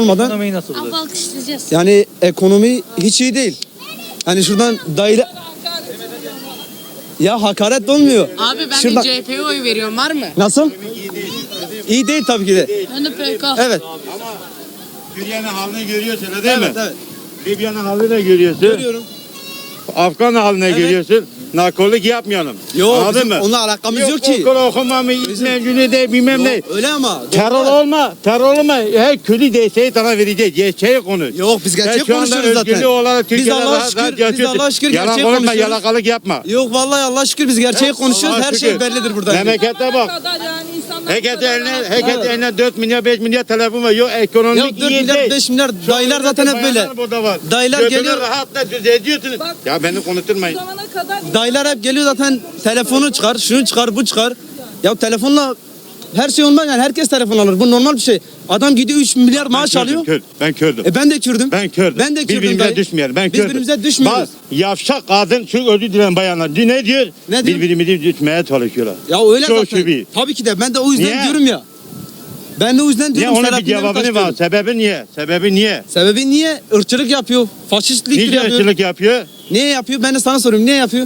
almadan Ekonomiyi nasıl Abi buluyorsun? alkışlayacağız. yani ekonomi hiç iyi değil. Hani şuradan dayla ya hakaret olmuyor. Abi ben Şuradan... de CHP'ye oy veriyorum, var mı? Nasıl? İyi değil tabii ki de. Ben de PK. Evet. Suriye'nin halini görüyorsun öyle değil Evet, mi? evet. Libya'nın halini de görüyorsun. Görüyorum. Afgan haline görüyorsun. Nakorluk yapmayalım. Yok, Anladın bizim mı? onunla alakamız yok ki. Okul okuma mı, mecnuni de bilmem ne. Yok, öyle ama. Terör olma, terör olma. Her kötü desteği sana vereceğiz. Gerçeği konuş. Yok, biz gerçek Sen şu anda konuşuyoruz zaten. özgürlüğü olarak Biz Türkiye'de Allah'a rahat şükür, rahat biz yaşıyorsun. Allah'a şükür Yalan gerçek konuşma, konuşuyoruz. yalakalık yapma. Yok vallahi Allah'a şükür biz gerçeği konuşuyoruz. Allah'a Her şükür. şey bellidir burada. Memlekete bak. Herkes eline 4 milyar 5 milyar telefon var. Yok ekonomik Yok 4 iyi milyar değil. 5 milyar dayılar zaten hep böyle. Burada var. Dayılar Götünü geliyor. rahatla düz ediyorsunuz. Ya beni konuşturmayın. Dayılar hep geliyor zaten telefonu çıkar, şunu çıkar, bu çıkar. Ya telefonla her şey olmaz yani herkes telefon alır. Bu normal bir şey. Adam gidiyor 3 milyar maaş alıyor. Ben Kürdüm. Ben de Kürdüm. Ben Kürdüm. Ben de Kürdüm Birbirimize dayı. düşmeyelim. Ben Biz Kürdüm. birbirimize düşmüyoruz. Bak yavşak kadın şu özür dilerim bayanlar. Ne diyor? Ne diyor? Birbirimizi düşmeye çalışıyorlar. Ya öyle Çok zaten. şüphe. Tabii ki de ben de o yüzden Niye? diyorum ya. Ben de o yüzden Niye diyorum. onun bir Selahattin cevabını Demirtaş var. diyorum. Sebebi niye? Sebebi niye? Sebebi niye? Irkçılık yapıyor. Faşistlik Nice yapıyor. ırkçılık yapıyor? Niye yapıyor? Ben de sana soruyorum. Niye yapıyor?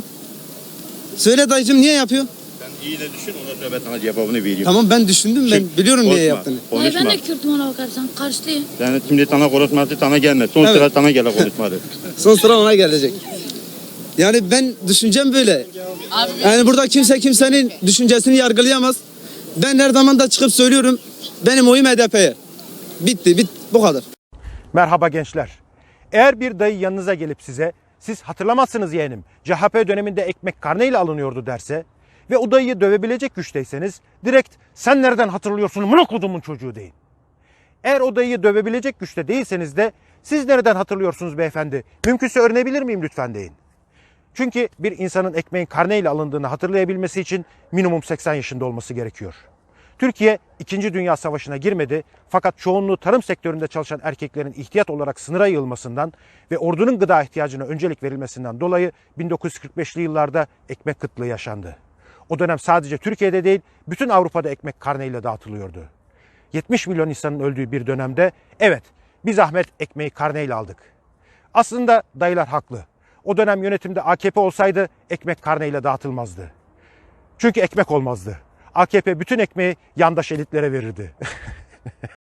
Söyle dayıcım niye yapıyor? Sen iyi de düşün ondan sonra ben sana cevabını veriyorum. Tamam ben düşündüm. Ben Çık, biliyorum niye konuşma, yaptığını. Hayır, ben Konuşma. de Kürt'üm ona bakarsan. Karşılıyım. Yani şimdi sana konuşması sana gelmez. Son Evet. sıra sana gele konuşmadı. Son sıra ona gelecek. Yani ben düşüncem böyle. Abi Yani burada kimse kimsenin düşüncesini yargılayamaz. Ben her zaman da çıkıp söylüyorum. Benim oyum HDP'ye. Bitti, bu kadar. Merhaba gençler. Eğer bir dayı yanınıza gelip size siz hatırlamazsınız yeğenim CHP döneminde ekmek karneyle alınıyordu derse ve o dayıyı dövebilecek güçteyseniz direkt sen nereden hatırlıyorsun mına kodumun çocuğu deyin. Eğer o dayıyı dövebilecek güçte değilseniz de siz nereden hatırlıyorsunuz beyefendi mümkünse öğrenebilir miyim lütfen deyin. Çünkü bir insanın ekmeğin karneyle alındığını hatırlayabilmesi için minimum 80 yaşında olması gerekiyor. Türkiye 2. Dünya Savaşı'na girmedi fakat çoğunluğu tarım sektöründe çalışan erkeklerin ihtiyat olarak sınıra yığılmasından ve ordunun gıda ihtiyacına öncelik verilmesinden dolayı 1945'li yıllarda ekmek kıtlığı yaşandı. O dönem sadece Türkiye'de değil bütün Avrupa'da ekmek karneyle dağıtılıyordu. 70 milyon insanın öldüğü bir dönemde evet bir zahmet ekmeği karneyle aldık. Aslında dayılar haklı. O dönem yönetimde AKP olsaydı ekmek karneyle dağıtılmazdı. Çünkü ekmek olmazdı. AKP bütün ekmeği yandaş elitlere verirdi.